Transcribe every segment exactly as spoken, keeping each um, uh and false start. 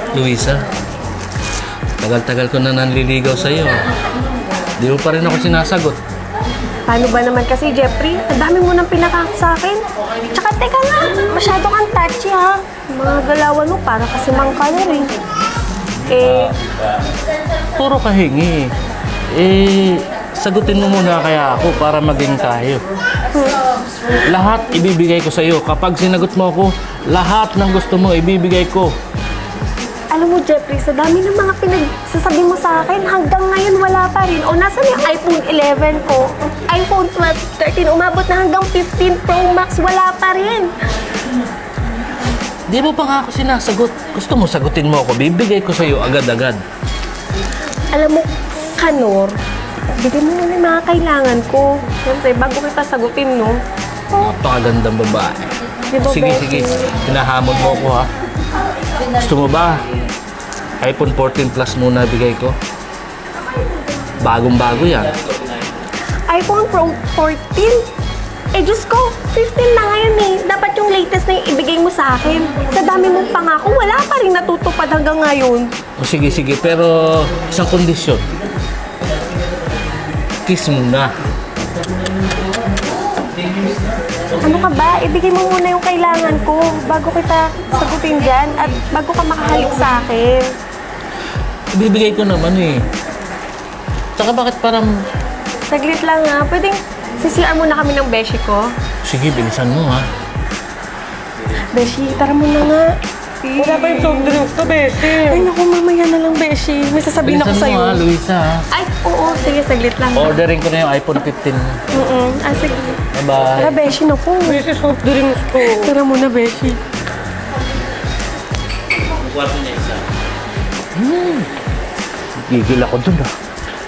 Luisa, tagal-tagal ko na nanliligaw sa'yo. Di mo pa rin ako sinasagot. Paano ba naman kasi, Jeffrey? Ang dami mo nang pinakak sa akin. Tsaka teka nga, masyado kang touchy ha. Mga galawan mo para kasi mang color eh. Eh, Puro kahingi. Eh, sagutin mo muna kaya ako para maging tayo. Lahat ibibigay ko sa'yo. Kapag sinagot mo ako, lahat ng gusto mo ibibigay ko. alam mo, Jeffrey, sa dami ng mga pinagsasabi mo sa akin, hanggang ngayon wala pa rin. O, nasan yung iPhone eleven ko? iPhone twelve, thirteen, umabot na hanggang fifteen Pro Max, wala pa rin. Di mo pa nga ako sinasagot. Gusto mo sagutin mo ako, bibigay ko sa'yo agad-agad. Alam mo, Kanor, bigyan mo muna yung mga kailangan ko. Siyempre, bago kita sagutin, no? Napakagandang babae. Di ba, Sige, Becky? sige. Hinahamon mo ako, ha? Gusto mo ba? iPhone fourteen Plus muna bigay ko. Bagong-bago yan. iPhone Pro fourteen? Eh, Diyos ko, fifteen na ngayon eh. Dapat yung latest na yung ibigay mo sa akin. Sa dami mong pangako, wala pa rin natutupad hanggang ngayon. O sige, sige. Pero isang kondisyon. Kiss muna. Ano ka ba? Ibigay mo muna yung kailangan ko bago kita sagutin dyan at bago ka makahalik sa akin. Ibibigay ko naman eh. Tsaka bakit parang... Saglit lang ha. Pwedeng sisiar muna kami ng beshi ko. Sige, bilisan mo ha. Beshi, tara muna nga. Wala pa yung soft drinks to, Beshi. Ay, naku, mamaya na lang, Beshi. May sasabihin ako Bilisan sa'yo. mo ha, Luisa ha. Ay, oo. Sige, saglit lang. Ordering ko na yung iPhone fifteen. Mm-mm. Ah, sige. Bye-bye. Tara, Beshi, naku. Beshi, soft drinks ko. Tara muna, Beshi. Hmm. Gigil ako dun ah.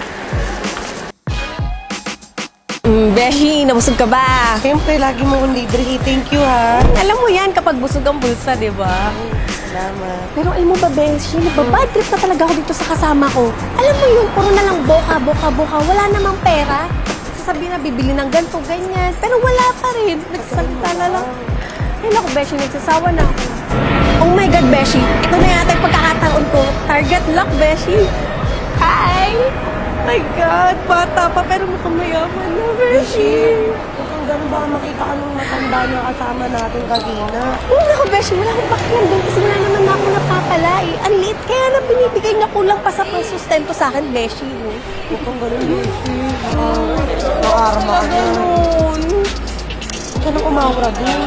Mm, Beshi, nabusog ka ba? Siyempre, lagi mo akong libre. Thank you, ha? Alam mo yan kapag busog ang bulsa, di ba? Salamat. Pero alam mo ba, Beshi, nababad trip na talaga ako dito sa kasama ko. Alam mo yun, puro na lang boka, boka, boka. Wala namang pera. Sasabihin na bibili ng ganito, ganyan. Pero wala pa rin. Nagsasalita na lang. Ay, naku, Beshi, nagsasawa na ako. Oh my God, Beshi. Ito na yata yung pagkakataon ko. Target lock, Beshi. Hi! My God, bata pa pero mukhang mayaman na, Beshi. Kung gano'n baka makita ka nung matanda na kasama natin kanina. Oo, naku, Beshi, wala akong pakialam doon kasi wala naman ako napapala eh. Ang liit, kaya na binibigay na kulang pa sa pangsustento sa akin, Beshi. No? Kung gano'n, Beshi. Makarma ka na. Ganun. Huwag ka nang umawra dun.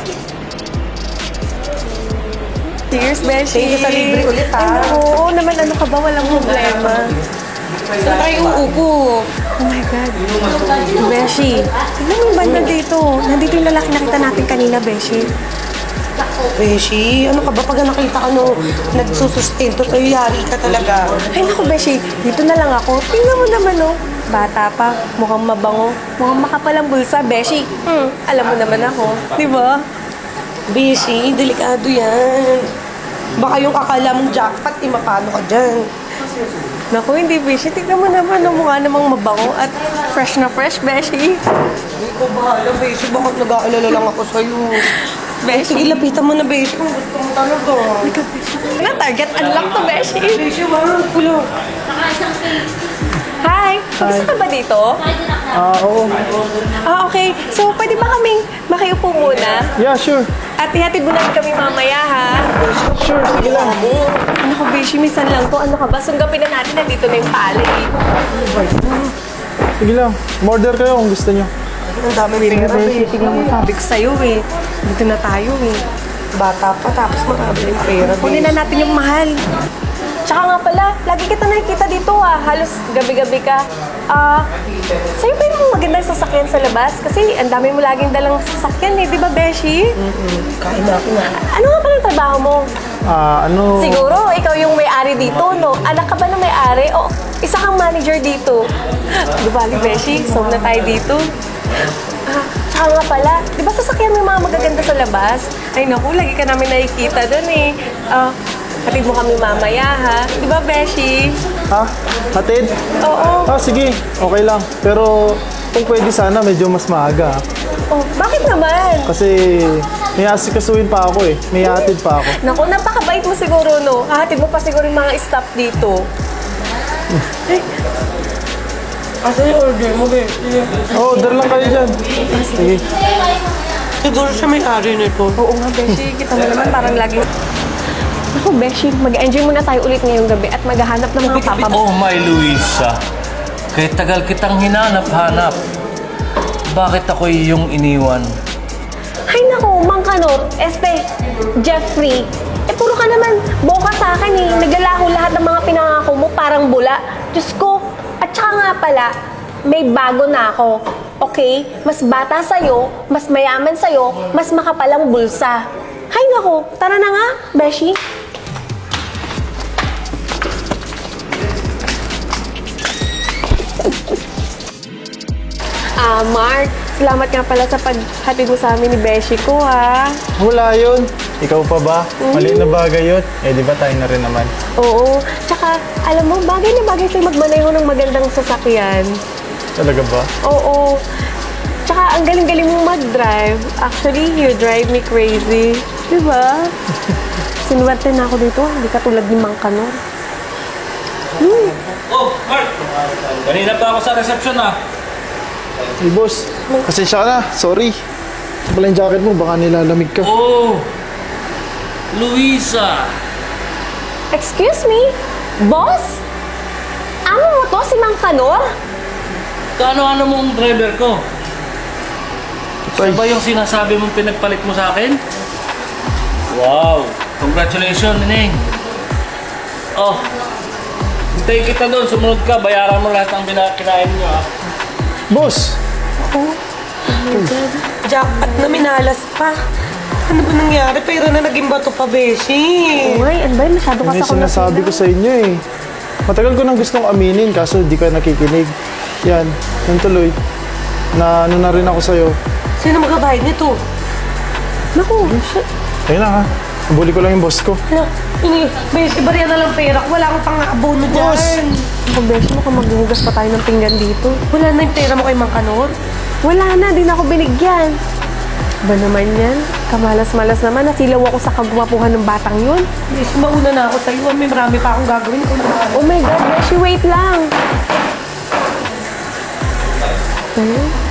Cheers, Beshi. Thank you sa libre ulit, ha? Ay, oo naman, ano ka ba? Walang problema. Saan tayo uupo? Oh my God. Beshi, tignan mo yung banda dito. Nandito yung lalaki nakita natin kanina, Beshi. Beshi, ano ka ba pag nakita ka nung nagsusustento sa'yo, yari ka talaga. Ay, naku, Beshi. Dito na lang ako. Tingnan mo naman, oh. Bata pa, mukhang mabango. Mukhang makapalang bulsa, Beshi. Hmm, alam mo naman ako. Di ba? Beshi, delikado yan. Baka yung akala mong jackpot, eh, mapano ka dyan. Naku, hindi, Beshi. Tingnan mo naman, oh. Mukha namang mabango at fresh na fresh, Beshi. Hindi ko bahala, Beshi. Bakit nag-aalala lang ako sa'yo? Beshi. Sige, lapitan mo na, Beshi. Kung gusto mo talaga. Na target unlock to, Beshi. Beshi, wow, kulo. Hi! Gusto ka ba dito? Ah, oo. Ah, okay. So, pwede ba kaming makiupo muna? Yeah, sure. At ihatid mo namin kami mamaya, ha? Sure, sige lang. Ano ka, Beshi? Minsan lang to. Ano ka ba? Sunggapin na natin. Nandito na yung palay. Sige lang. Order kayo kung gusto nyo. Ang dami pera, Beshi. Tingnan mo, sabi ko sa'yo, eh. Dito na tayo, eh. Bata pa, tapos marami yung pera, Kunin na natin yung mahal. Tsaka nga pala, lagi kita nakikita dito, ah. Halos gabi-gabi ka. Ah, sa'yo ba yung magandang sasakyan sa labas? Kasi ang dami mo laging dalang sasakyan, eh. Di ba, Beshi? Kain na ako na. Ano nga pala yung trabaho mo? Ah, ano... Siguro, ikaw yung may-ari dito, no? Anak ka ba ng may-ari? O, isa kang manager dito. Di ba, Beshi? So na tayo dito. Ah, tsaka nga pala, di ba sasakyan mo yung mga magaganda sa labas? Ay naku, lagi ka namin nakikita dun eh. Ah, hatid mo kami mamaya, ha? Di ba, Beshi? Ha? Hatid? Oo. Ah, sige. Okay lang. Pero kung pwede sana, medyo mas maaga. Oh, bakit naman? Kasi May asikasuhin pa ako eh. May atid pa ako. Naku, napakabait mo siguro, no? Hahatid mo pa siguro yung mga staff dito. Asa yung order mo, be? Oh, order lang kayo dyan. Sige. Siguro siya may-ari nito. Oo nga, Beshi. Kita mo naman parang lagi... Naku, Beshi, mag-enjoy muna tayo ulit ngayong gabi at maghahanap ng mga papa. Oh, my Luisa. Kaya tagal kitang hinanap-hanap. Bakit ako yung iniwan? Ay naku, Mang Kanor, este, Jeffrey. Eh, puro ka naman boka sa akin eh. Naglalaho lahat ng mga pinangako mo, parang bula. Diyos ko, at saka nga pala, may bago na ako. Okay? Mas bata sa'yo, mas mayaman sa'yo, mas makapalang bulsa. Hay naku, tara na nga, Beshi. Ah, Mark, salamat nga pala sa paghatid mo sa amin ni Beshi ko, ha. Wala yun. Ikaw pa ba? Maliit na bagay yun. Eh, di ba tayo na rin naman? Oo. Tsaka, alam mo, bagay na bagay sa'yo magmaneho ng magandang sasakyan. Talaga ba? Oo. Tsaka, ang galing-galing mong mag-drive. Actually, you drive me crazy. Diba? Sinuwerte na ako dito. Hindi ka tulad ni Mang Kanor. Oh, Mark! Kanina pa ako sa reception ah. Hey, boss. Pasensya ka na. Sorry. Ito pala yung jacket mo. Baka nilalamig ka. Oh, Luisa. Excuse me? Boss? Amo mo to, si Mang Kanor? Kaano-ano mong driver ko? Tay. Siya ba yung sinasabi mong pinagpalit mo sa akin? Wow! Congratulations, Neneng! Oh, hintay kita doon. Sumunod ka. Bayaran mo lahat ng bina- kinain nyo, ah. Boss! Jackpot na minalas pa. Ano ba nangyari? Pero na naging bato pa, Beshi. Uy, ano ba yun? Masyado ka Ano yung sa sinasabi ko sa inyo eh. Matagal ko nang gustong aminin kaso di ka nakikinig. Yan, yan tuloy. Na ano na rin ako sa'yo. Sino magbabayad nito? Naku, shit. Ayun na ha. Nabuli ko lang yung boss ko. Ano? Ini, Beshi, bariya na lang pera ko. Wala akong pang-abono Boss! dyan. Ako, Beshi, mukhang maghuhugas pa tayo ng pinggan dito. Wala na yung pera mo kay Mang Kanor. Wala na, din ako binigyan. Ba naman yan? Kamalas-malas naman, nasilaw ako sa kagwapuhan ng batang yun. Beshi, mauna na ako sa'yo. May marami pa akong gagawin. Ikaw na ba? Oh my God, Beshi, wait lang. Ano?